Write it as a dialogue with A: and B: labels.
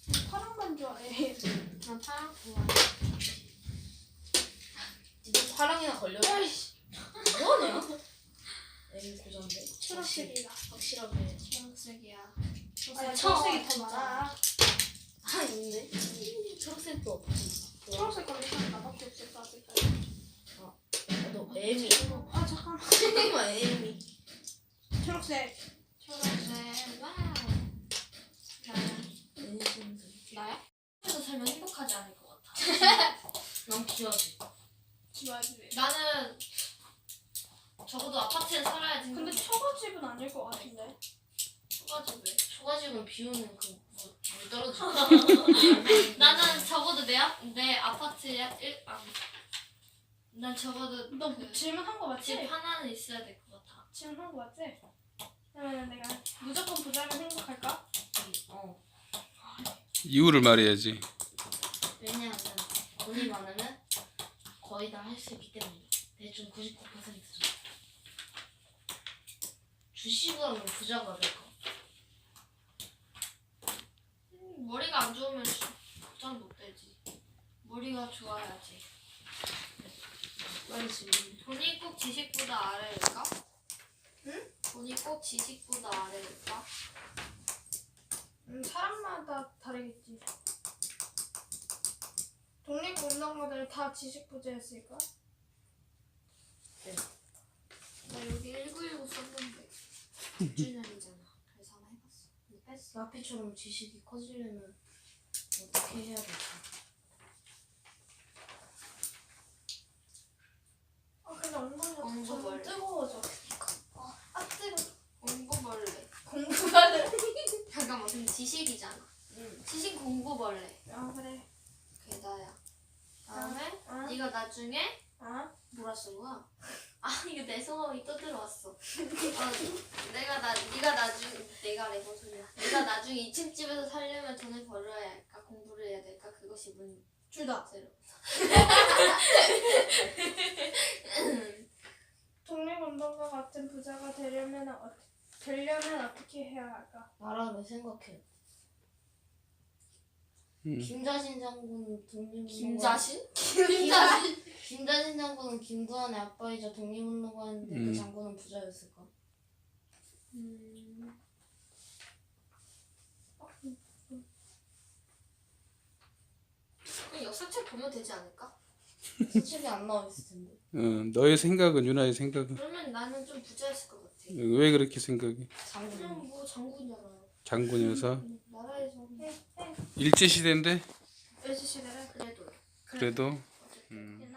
A: 파랑만 좋아해.
B: 난 파랑 좋아해. 니도 파랑이나 걸려?
A: 아이씨.
B: 뭐하냐? 에이 고전데.
A: 초록색이다.
B: 확실하게.
A: 초록색이야.
B: 아,
A: 초록색이 더 많아.
B: 아 있네. 초록색도 없지.
A: 초록색 거리 한 나밖에 없을 것 같을까?
B: 너 애미.
A: 아 잠깐만.
B: 잠깐만 애미.
A: 초록색.
B: 초록색. 와우.
C: 나야? 그래서 살면 행복하지 않을 것 같아.
B: 난 귀하지.
A: 좋아하지.
C: 나는 적어도 아파트에 살아야지.
A: 근데 초가집은 아닐 것 같은데.
C: 초가집 왜?
B: 초가집은 비오는 그 물 떨어지고.
C: 나는 적어도 내 아파트에 난 적어도
A: 너
C: 그
A: 질문한 거 맞지?
C: 집 하나는 있어야 될 것 같아.
A: 질문한 거 맞지? 그러면 내가 무조건 부자면 행복할까?
B: 어.
D: 이유를 말해야지.
B: 왜냐하면 돈이 많으면 거의 다 할 수 있기 때문에. 대충 99% 정도. 주식을 하면 부자가 될까?
C: 머리가 안 좋으면 부자는 못 되지. 머리가 좋아야지.
B: 말이지.
C: 돈이 꼭 지식보다 아래일까? 응? 돈이 꼭 지식보다 아래일까?
A: 사람마다 다르겠지. 독립운동가들 다 지식 부자였을까?
B: 네.
C: 나 여기 1919 썼는데
B: 6주년이잖아.
C: 그래서 하나 해봤어. 근데 뺐어.
B: 나피처럼 지식이 커지려면 어떻게 해야 될까?
A: 아 근데 엉덩이가
C: 엉덩이
A: 점점
C: 원래.
A: 뜨거워져. 아 뜨거.
C: 공부벌레.
A: 공부하는.
C: 잠깐만 근데 지식이잖아.
B: 응.
C: 지식 공부벌레.
A: 아 그래.
C: 그게 나야. 다음에
A: 아.
C: 네가 나중에
A: 아
C: 뭐라 쓴 거야? 아 이거 내 성함이 또 들어왔어. 네가 나중 내가 레몬 소리야. 네가 나중에 2층 집에서 살려면 돈을 벌어야 할까 공부를 해야 될까 그것이
A: 둘 다.
C: 문제로.
A: 독립운동가 같은 부자가 되려면 어떻게 해야 할까?
B: 나라를 생각해.
D: 음.
B: 김자신 장군은 독립운동가.
C: 김자신?
B: 김자신 장군은 김두한의 아빠이자 독립운동가였는데 그 장군은 부자였을까?
C: 그냥 역사책 보면 되지 않을까?
B: 수첩이 안 나와 있을 텐데.
D: 너의 생각은 유나의 생각은
C: 그러면 나는 좀 부자였을 것 같아.
D: 왜 그렇게 생각해?
B: 장군.
C: 그냥 뭐 장군이잖아.
D: 장군이어서
C: 나라에서
D: 일제 시대인데
A: 일제시대를.
C: 그래도
D: 그래도
C: 어쨌든